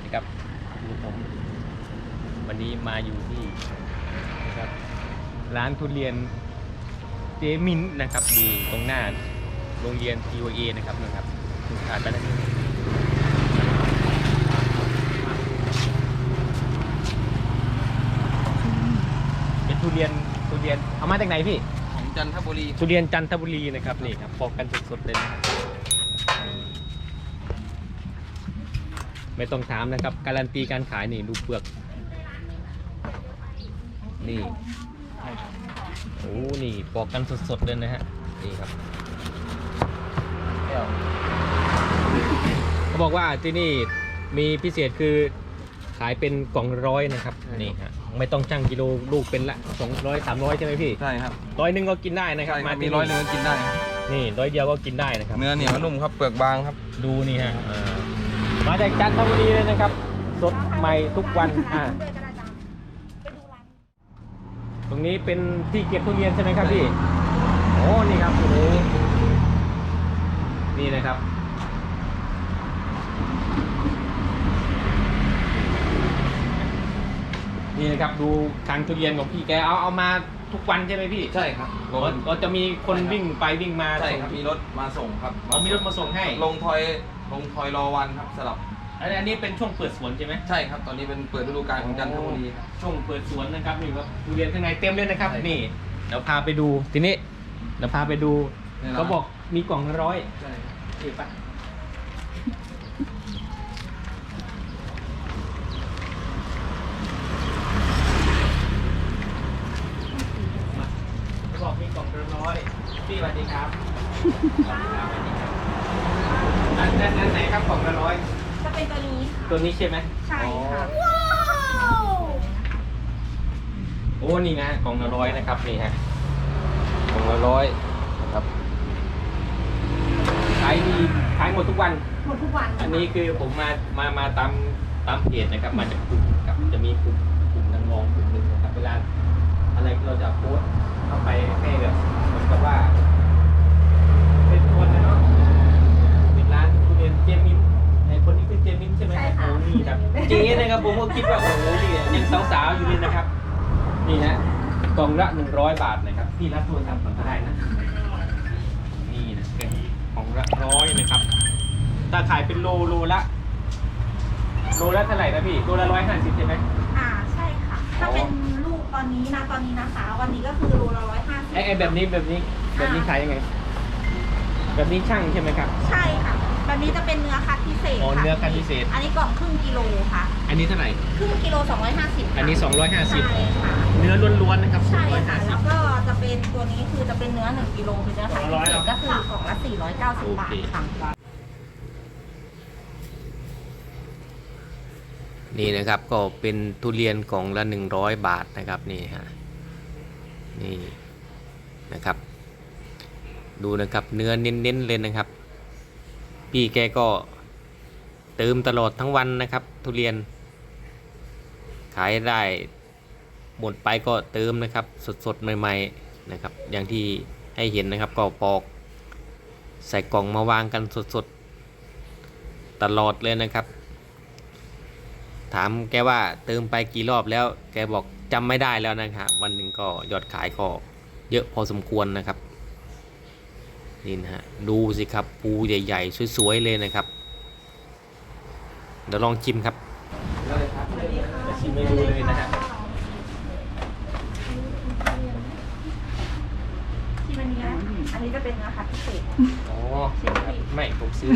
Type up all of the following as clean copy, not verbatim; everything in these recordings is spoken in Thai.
นะครับผมวันนี้มาอยู่ที่นะครับร้านทุเรียนเจมินนะครับอยู่ตรงหน้าโรงเรียน TOA นะครับนะครับผ่านไปแล้วเป็นทุเรียนเอามาจากไหนพี่ของจันทบุรีทุเรียนจันทบุรีนะครับนี่ครับปอกกันสดๆเลยนะครับไม่ต้องถามนะครับการันตีการขายนี่ดูเปลือกนี่โอ้นี่ปอกกันสดๆเลยนะฮะนี่ครับเขาบอกว่าที่นี่มีพิเศษคือขายเป็นกล่องร้อยนะครับนี่ฮะไม่ต้องชั่งกิโลลูกเป็นละ200 300ใช่ไหมพี่ใช่ครับ 100ก็กินได้นะครับมามี100ก็กินได้นี่100เดียวก็กินได้นะครับเนื้อเหนียวนุ่มครับเปลือกบางครับดูนี่ฮะมาจากจันทบุรีเลยนะครับสดใหม่ทุกวันตรงนี้เป็นที่เก็บทุเรียนใช่ไหมครับพี่โอ้นี่ครับโอ้นี่นะครับนี่นะครับดูทางทุเรียนของพี่แกเอามาทุกวันใช่ไหมพี่ใช่ครับก็จะมีคนวิ่งไปวิ่งมาใช่ครับมีรถมาส่งครับมีรถมาส่งให้ลงทอยรอวันครับสลับอันนี้เป็นช่วงเปิดสวนใช่ไหมใช่ครับตอนนี้เป็นเปิดฤดูกาลของจันทบุรีช่วงเปิดสวนนะครับนี่ครับทุเรียนข้างในเต็มเลยนะครับนี่เดี๋ยวพาไปดูทีนี้เดี๋ยวพาไปดูเขาบอกมีกล่องละ100 ใช่ถูกปะเขาบอกมีกล่องละ100พี่สวัสดีครับอันไหนครับกล่องละ100 จะเป็นตัวนี้ใช่ไหมใช่ค่ะโอ้นี่นะกล่องละ100นะครับนี่ฮะกล่องละ100นะครับขายหมดทุกวันอันนี้คือผมมาตามเพจนะครับมาจากกลุ่มครับจะมีกลุ่มนักร้องกลุ่มหนึ่งนะครับเวลาอะไรเราจะโพสเข้าไปให้แบบเหมือนกับว่าเป็นคนนะเนาะเป็นร้านทุเรียนเจมินในคนนี้คือเจมินใช่ไหมโอ้นี่ครับเจ๊นะครับผมก็คิดว่าโอ้โหนี่ยังสาวๆอยู่เลยนะครับนี่นะกล่องละ100 บาทนะครับพี่รับโทรศัพท์ก่อนก็ได้นะนี่นะเป็นกล่องละ100นะครับถ้าขายเป็นโลละเท่าไหร่นะพี่โลละ150ใช่ไหมใช่ค่ะถ้าเป็นลูกตอนนี้นะคะวันนี้ก็คือโลละ150 ไอ้แบบนี้ขายยังไงแบบนี้ช่างใช่ไหมครับใช่ค่ะแบบนี้จะเป็นเนื้อคัดพิเศษค่ะเนื้อคัดพิเศษอันนี้กล่องครึ่งกิโลค่ะอันนี้เท่าไหร่ครึ่งกิโล250 อันนี้250 ใช่ค่ะเนื้อล้วนๆนะครับใช่ค่ะแล้วก็จะเป็นตัวนี้คือจะเป็นเนื้อ1กิโลเป็นเนื้อคัดพิเศษก็คือกล่องละ490 บาทค่ะนี่นะครับก็เป็นทุเรียนกล่องละ100 บาทนะครับนี่ฮะนี่นะครับดูนะครับเนื้อเน้นๆเลยนะครับพี่แกก็เติมตลอดทั้งวันนะครับทุเรียนขายได้หมดไปก็เติมนะครับสดๆใหม่ๆนะครับอย่างที่ให้เห็นนะครับก็ปอกใส่กล่องมาวางกันสดๆตลอดเลยนะครับถามแกว่าเติมไปกี่รอบแล้วแกบอกจำไม่ได้แล้วนะครับวันหนึ่งก็ยอดขายก็เยอะพอสมควรนะครับนี่นะฮะดูสิครับปูใหญ่ๆสวยๆเลยนะครับเดี๋ยวลองชิมครับจะชิมให้ดูเลยนะฮะที่มันนี้อันนี้จะเป็นเนื้อคัดพิเศษไม่ผมซื้อ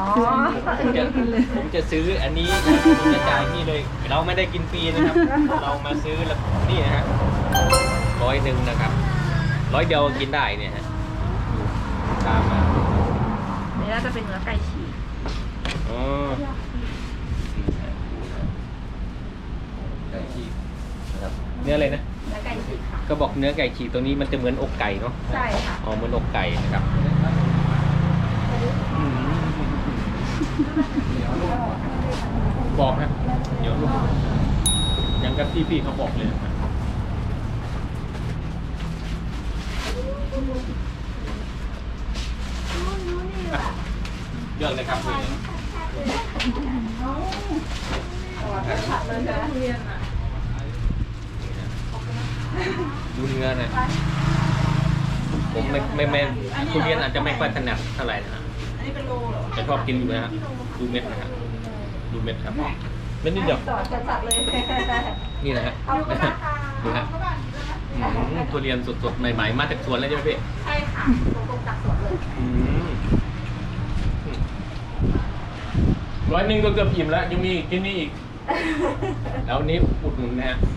ผมจะซื้ออันนี้ผมจะจ่ายพี่เลยเราไม่ได้กินฟรีนะครับเรามาซื้อแล้วนี่นะฮะ100นะครับ100เดียวกินได้เนี่ยฮะตามมานี่น่าจะเป็นเนื้อไก่ฉีกไก่ฉีกนะครับเนื้ออะไรนะเนื้อไก่ฉีกค่ะก็บอกเนื้อไก่ฉีกตัวนี้มันจะเหมือนอกไก่เนาะใช่ค่ะเหมือนอกไก่นะครับบอกนะเดี๋ยวลูกยังกับพี่เขาบอกเลยนะครับเลือกเลยครับพี่สัตว์เลยใช่ไหมทุเรียนอ่ะดูเนื้อนะผมไม่ทุเรียนอาจจะไม่ค่อยถนัดเท่าไหร่นะฮะอันนี้เป็นโลเหรอแต่ชอบกินอยู่นะฮะดูเม็ดนะฮะดูเม็ดครับเม็ดนิดเดียวสอดจัดเลยนี่นะฮะเอาไปนะคะดูฮะทุเรียนสดๆใหม่ๆมาจากสวนเลยใช่ไหมพี่ใช่ค่ะตรงจากสวนเลย 100ก็เกือบอิ่มแล้วยังมีกินนี่อีก แล้วนี้อุดหนุนนะฮะ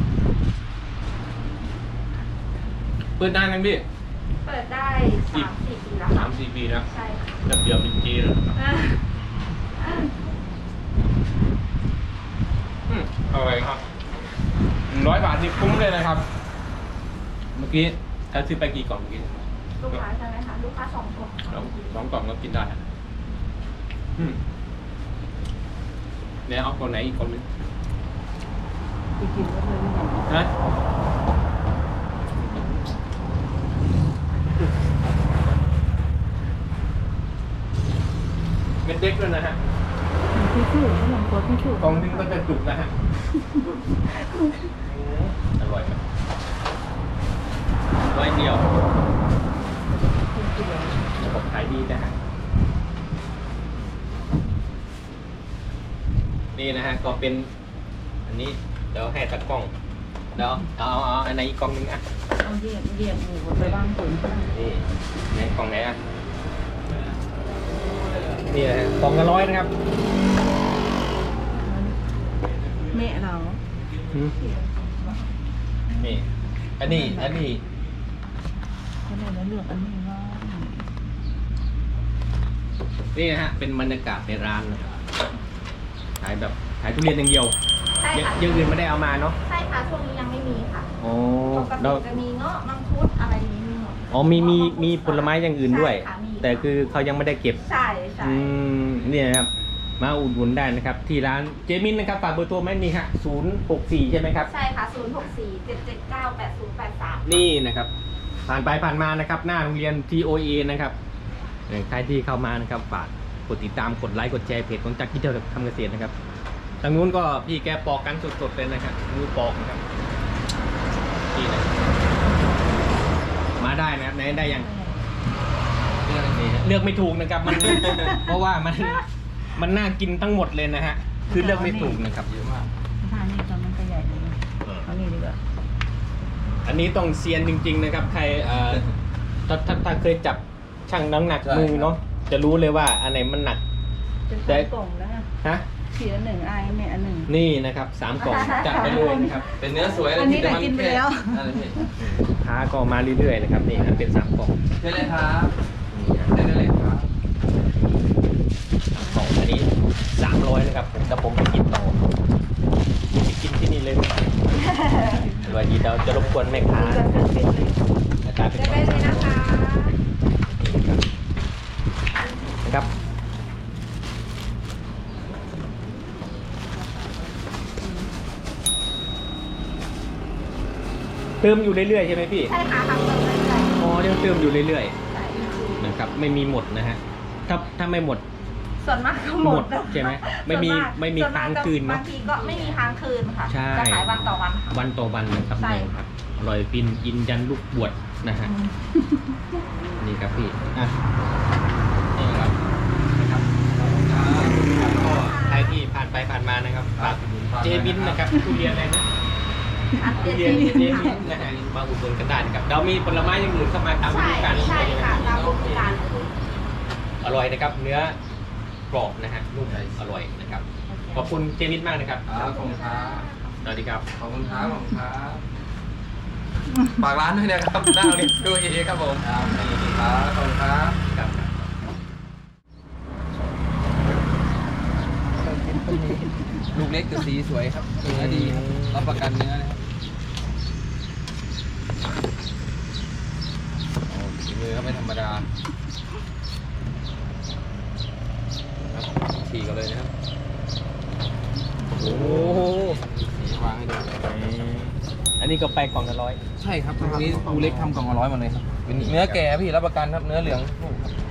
เปิดนานยังพี่เปิดได้3-4 ปีแล้วค่ะ 3-4 ปีแล้วใช่ค่ะเดี๋ยวเป็นจีแล้วอร่อยครับ100 บาทนี่คุ้มเลยนะครับ เมื่อกี้ถ้าซื้อไปกี่กล่องเมื่อกี้ลูกค้าใช่ไหมคะลูกค้า2 คนเรา2 กล่องก็กินได้เนี่ยเอาคนไหนอีกคนนึงนะ เม็ดเด็กด้วยนะฮะพี่ชูขนมตัวพี่ชูกล่องนึงก็จะจุกนะฮะอร่อยไหม100 เดียวผมขายดีนะฮะนี่นะฮะก็เป็นอันนี้เดี๋ยวให้ตะกล้องเดี๋ยวเอาอันไหนอีกกล่องนึงอ่ะเอาเหยียบหมูไปบ้างผมนี่ไหนกล่องไหนอ่ะนี่นะฮะกล่องละ100นะครับแม่เรานี่อันนี้เขาเลยแล้วเลือกอันนี้ว่านี่นะฮะเป็นบรรยากาศในร้านนะครับขายแบบขายทุเรียนอย่างเดียวใช่ค่ะอย่างอื่นไม่ได้เอามาเนาะใช่ค่ะช่วงนี้ยังไม่มีค่ะอ๋อปกเราติจะมีเงาะมังคุดอะไรอย่างนี้มีหมดอ๋อมีผลไม้อย่างอื่นด้วยใช่ค่ะมีแต่คือเขายังไม่ได้เก็บใช่ใช่เนี่ยนะครับมาอุดหนุนได้นะครับ ที่ร้านเจมินนะครับฝากเบอร์โทรไหมนี่ฮะ064ใช่ไหมครับใช่ค่ะ064-779-8083 นี่นะครับ ผ่านไปผ่านมานะครับ หน้าโรงเรียน TOA นะครับใครที่เข้ามานะครับฝากกดติดตามกดไลค์กดแชร์เพจของจักรที่เที่ยวทำเกษตรนะครับทางนู้นก็พี่แกปอกกันสดๆเลยนะครับมือปอกนะครับนี่นะมาได้นะครับไหนได้ยังนี่ฮะเลือกไม่ถูกนะครับมัน เพราะว่ามันน่ากินทั้งหมดเลยนะฮะคือเลือกไม่ถูกนะครับเยอะมากทานนี่ตอนมันก็ใหญ่เลยเอานี่ดีกว่าอันนี้ต้องเซียนจริงๆนะครับใครถ้าเคยจับชั่งน้ำหนักมือเนาะจะรู้เลยว่าอันไหนมันหนักเป็น3 กล่องแล้วฮะสีละ1อันแม่อัน 1 นี่นะครับ3 กล่องจัดไปเลยนะครับเป็นเนื้อสวยอันนี้แต่กินไปแล้วนั่นเลยพี่ลูกค้าก็มาเรื่อยๆนะครับนี่นะเป็น3 กล่องเชิญเลยครับนี่ฮะเชิญได้เลยครับ 3 กล่องอันนี้300นะครับแต่ผมไปกินต่อไปกินที่นี่เลยอร่อยดีเดี๋ยวจะรบกวนแม่ค้าอาจารย์เป็นได้ก่อนเลยนะคะนะครับเติมอยู่เรื่อยๆใช่ไหมพี่ใช่ค่ะทำเติมได้เลยอ๋อยังเติมอยู่เรื่อยใช่ๆนะครับไม่มีหมดนะฮะถ้าไม่หมดส่วนมากก็หมดใช่ไหมไม่มีส่วนกไม่มีส่วกค้างคืนเนอะบางทีก็ไม่มีค้างคืนค่ะใช่จะขายวันต่อวันค่ะวันต่อวันนะครับใช่นี่ครับอร่อยปินอินยันลูกบวชนะฮะนี่ครับพี่อ่ะนี่ครับนะครับก็ใครที่ผ่านไปผ่านมานะครับฝากเจมินนะครับทุเรียนอะไรนะอันทุเดีเรียนยวเจมินนะฮะมาอุดหนุนกันได้นะครับเรามีผลไม้อย่างอื่นเข้ามาตามฤใช่ดูกาลใช่ค่ะตามฤดูกาลเลยอร่อยนะครับ เนื้อกรอบนะฮะนุ่มอร่อยนะครับ ขอบคุณเจมินมากนะครับครับขอบคุณครับสวัสดีครับขอบคุณครับขอบคุณครับฝากร้านด้วยนะครับ หน้าโรงเรียนดูเอครับผมครับขอบคุณครับครับลูกเล็กแต่สีสวยครับเนื้อดีครับรับประกันเนื้อนะครับโอ้ฝีมือก็ไม่ธรรมดาครับฉีกกันเลยนะครับโอ้โหสีวางให้ดูอันนี้ก็ไปกล่องละ100 ใช่ครับทีนี้ลูกเล็กทำกล่องละ100หมดเลยครับเป็นเนื้อแก่พี่รับประกันครับเนื้อเหลืองลูกครับ